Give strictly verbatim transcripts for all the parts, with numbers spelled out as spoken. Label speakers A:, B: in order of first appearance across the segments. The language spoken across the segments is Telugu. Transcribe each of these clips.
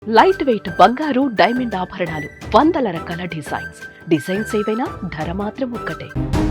A: లైట్ వెయిట్ బంగారు డైమండ్ ఆభరణాలు వందల రకాల డిజైన్స్ డిజైన్స్ ఏవైనా ధర మాత్రం ఒక్కటే.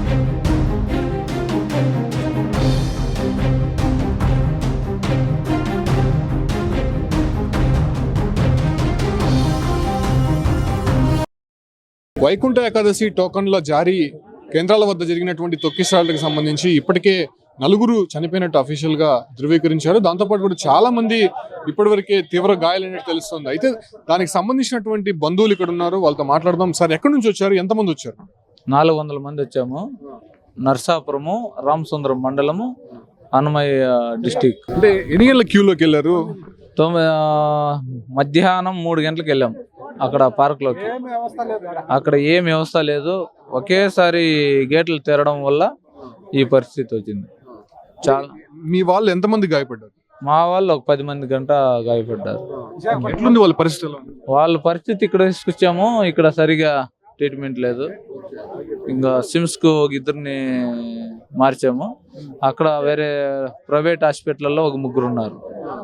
B: వైకుంఠ ఏకాదశి టోకన్ల జారీ కేంద్రాల వద్ద జరిగినటువంటి తొక్కిసలాటకు సంబంధించి ఇప్పటికే నలుగురు చనిపోయినట్టు అఫీషియల్ గా ధృవీకరించారు. దాంతోపాటు కూడా చాలా మంది ఇప్పటివరకే తీవ్ర గాయాలైనట్టు తెలుస్తుంది. అయితే దానికి సంబంధించినటువంటి బంధువులు ఇక్కడ ఉన్నారు, వాళ్ళతో మాట్లాడదాం. సార్, ఎక్కడి నుంచి వచ్చారు, ఎంతమంది వచ్చారు?
C: నాలుగు వందల మంది వచ్చాము. నర్సాపురము, రామసుందరం మండలము, అన్నమయ్య డిస్టిక్.
B: అంటే ఎన్ని గంటల క్యూలోకి వెళ్ళారు?
C: తొమ్మిది మధ్యాహ్నం మూడు గంటలకు వెళ్ళాము అక్కడ పార్క్లోకి. అక్కడ ఏం వ్యవస్థ లేదు, ఒకేసారి గేట్లు తెరడం వల్ల ఈ పరిస్థితి వచ్చింది. చాలా
B: మీ వాళ్ళు ఎంతమంది గాయపడ్డారు?
C: మా వాళ్ళు ఒక పది మంది గంట గాయపడ్డారు.
B: ఎట్లుంది వాళ్ళ పరిస్థితి?
C: వాళ్ళ పరిస్థితి ఇక్కడ తీసుకొచ్చాము, ఇక్కడ సరిగా ట్రీట్మెంట్ లేదు. ఇంకా సిమ్స్ కు ఒక ఇద్దరిని మార్చాము. అక్కడ వేరే ప్రైవేట్ హాస్పిటల్లో ఒక ముగ్గురు ఉన్నారు.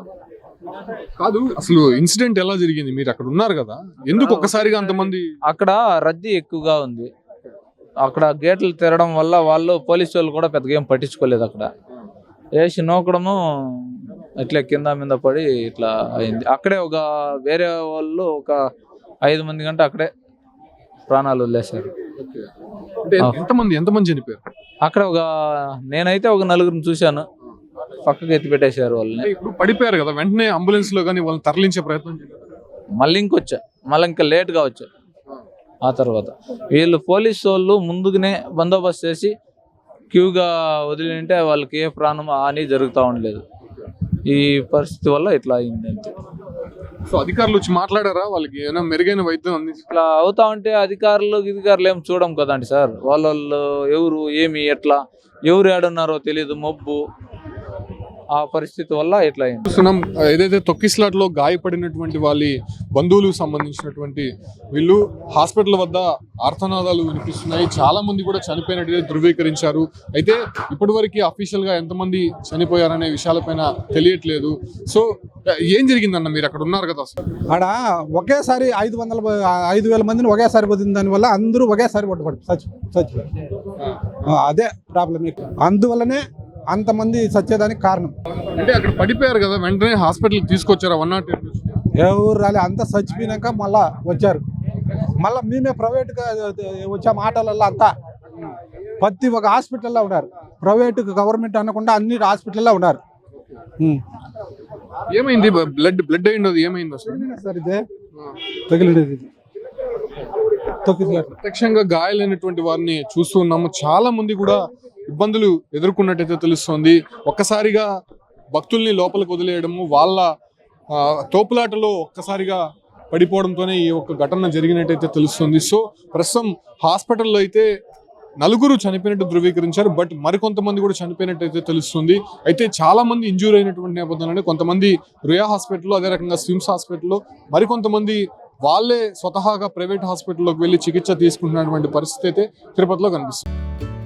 B: కాదు, అసలు ఇన్సిడెంట్ ఎలా జరిగింది? మీరు అక్కడ ఉన్నారు కదా, ఎందుకు ఒక్కసారిగా అంతమంది?
C: అక్కడ రద్దీ ఎక్కువగా ఉంది. అక్కడ గేట్లు తెరడం వల్ల వాళ్ళు పోలీసు వాళ్ళు కూడా పెద్దగా ఏం పట్టించుకోలేదు. అక్కడ వేసి నోకడము ఇట్లా కింద మీద పడి ఇట్లా అయింది. అక్కడే ఒక వేరే వాళ్ళు ఒక ఐదు మంది గంట అక్కడే ప్రాణాలు వదిలేశారు.
B: ఎంతమంది ఎంతమంది చనిపోయారు?
C: అక్కడ ఒక నేనైతే ఒక నలుగురిని చూశాను, పక్కకి ఎత్తి పెట్టేశారు వాళ్ళని.
B: ఇప్పుడు పడిపోయారు కదా, వెంటనే అంబులెన్స్ లో కానీ వాళ్ళని తరలించే ప్రయత్నం చేశారు.
C: మళ్ళీ ఇంకొచ్చా, మళ్ళీ ఇంకా లేట్గా వచ్చా. ఆ తర్వాత వీళ్ళు పోలీసు వాళ్ళు ముందుగానే బందోబస్తు చేసి క్యూగా వదిలింటే వాళ్ళకి ఏ ప్రాణం హాని జరుగుతూ ఉండలేదు. ఈ పరిస్థితి వల్ల ఇట్లా అయింది అంతే.
B: సో అధికారులు వచ్చి మాట్లాడారా? వాళ్ళకి ఏమైనా మెరుగైన వైద్యం అందించి
C: ఇట్లా అవుతా ఉంటే అధికారులు అధికారులు ఏం చూడం కదండి సార్. వాళ్ళ వాళ్ళు ఎవరు ఏమి ఎట్లా ఎవరు ఏడున్నారో తెలియదు, మబ్బు. ఆ పరిస్థితి వల్ల ఇట్లా అయింది.
B: చూస్తున్నాం ఏదైతే తొక్కిసలాట్ లో గాయపడినటువంటి వాళ్ళ బంధువులకు సంబంధించినటువంటి వీళ్ళు హాస్పిటల్ వద్ద ఆర్తనాదాలు వినిపిస్తున్నాయి. చాలా మంది కూడా చనిపోయినట్టుగా ధృవీకరించారు. అయితే ఇప్పటి వరకు అఫీషియల్ గా ఎంతమంది చనిపోయారనే విషయాలపైన తెలియట్లేదు. సో ఏం జరిగిందన్న, మీరు అక్కడ ఉన్నారు కదా?
D: ఆడ ఒకేసారి ఐదు వందల ఐదు వేల మందిని ఒకేసారి పోతుంది. దానివల్ల అందరూ ఒకేసారి పట్టుబడి చచ్చి చచ్చిపోయారు. అదే ప్రాబ్లం. అందువల్లనే అంతమంది చచ్చేదానికి కారణం.
B: అంటే అక్కడ పడిపోయారు కదా, వెంటనే హాస్పిటల్ తీసుకొచ్చారు. వన్ నాట్ ఎయిట్
D: ఎవరు రాలే, అంతా చచ్చిపోయినాక మళ్ళా వచ్చారు. మళ్ళీ మేమే ప్రైవేట్గా వచ్చాము ఆటోలలో. అంతా ప్రతి ఒక హాస్పిటల్లో ఉన్నారు. ప్రైవేట్ గవర్నమెంట్ అనకుండా అన్ని హాస్పిటల్లో ఉన్నారు.
B: ఏమైంది? బ్లడ్ బ్లడ్ అయింది, ఏమైంది అసలు?
D: సార్ ఇదే తగిలినది.
B: ప్రత్యక్షంగా గాయాలైనటువంటి వారిని చూస్తూ ఉన్నాము. చాలా మంది కూడా ఇబ్బందులు ఎదుర్కొన్నట్టయితే తెలుస్తోంది. ఒక్కసారిగా భక్తుల్ని లోపలికి వదిలేయడము, వాళ్ళ తోపులాటలో ఒక్కసారిగా పడిపోవడంతోనే ఈ ఒక్క ఘటన జరిగినట్టయితే తెలుస్తుంది. సో ప్రస్తుతం హాస్పిటల్లో అయితే నలుగురు చనిపోయినట్టు ధృవీకరించారు. బట్ మరికొంతమంది కూడా చనిపోయినట్టయితే తెలుస్తుంది. అయితే చాలా మంది ఇంజూర్ అయినటువంటి నేపథ్యంలోనే కొంతమంది రుయా హాస్పిటల్లో, అదే రకంగా స్విమ్స్ హాస్పిటల్లో, మరికొంతమంది వాళ్ళే స్వతహాగా ప్రైవేట్ హాస్పిటల్లోకి వెళ్ళి చికిత్స తీసుకుంటున్నటువంటి పరిస్థితి అయితే తిరుపతిలో కనిపిస్తుంది.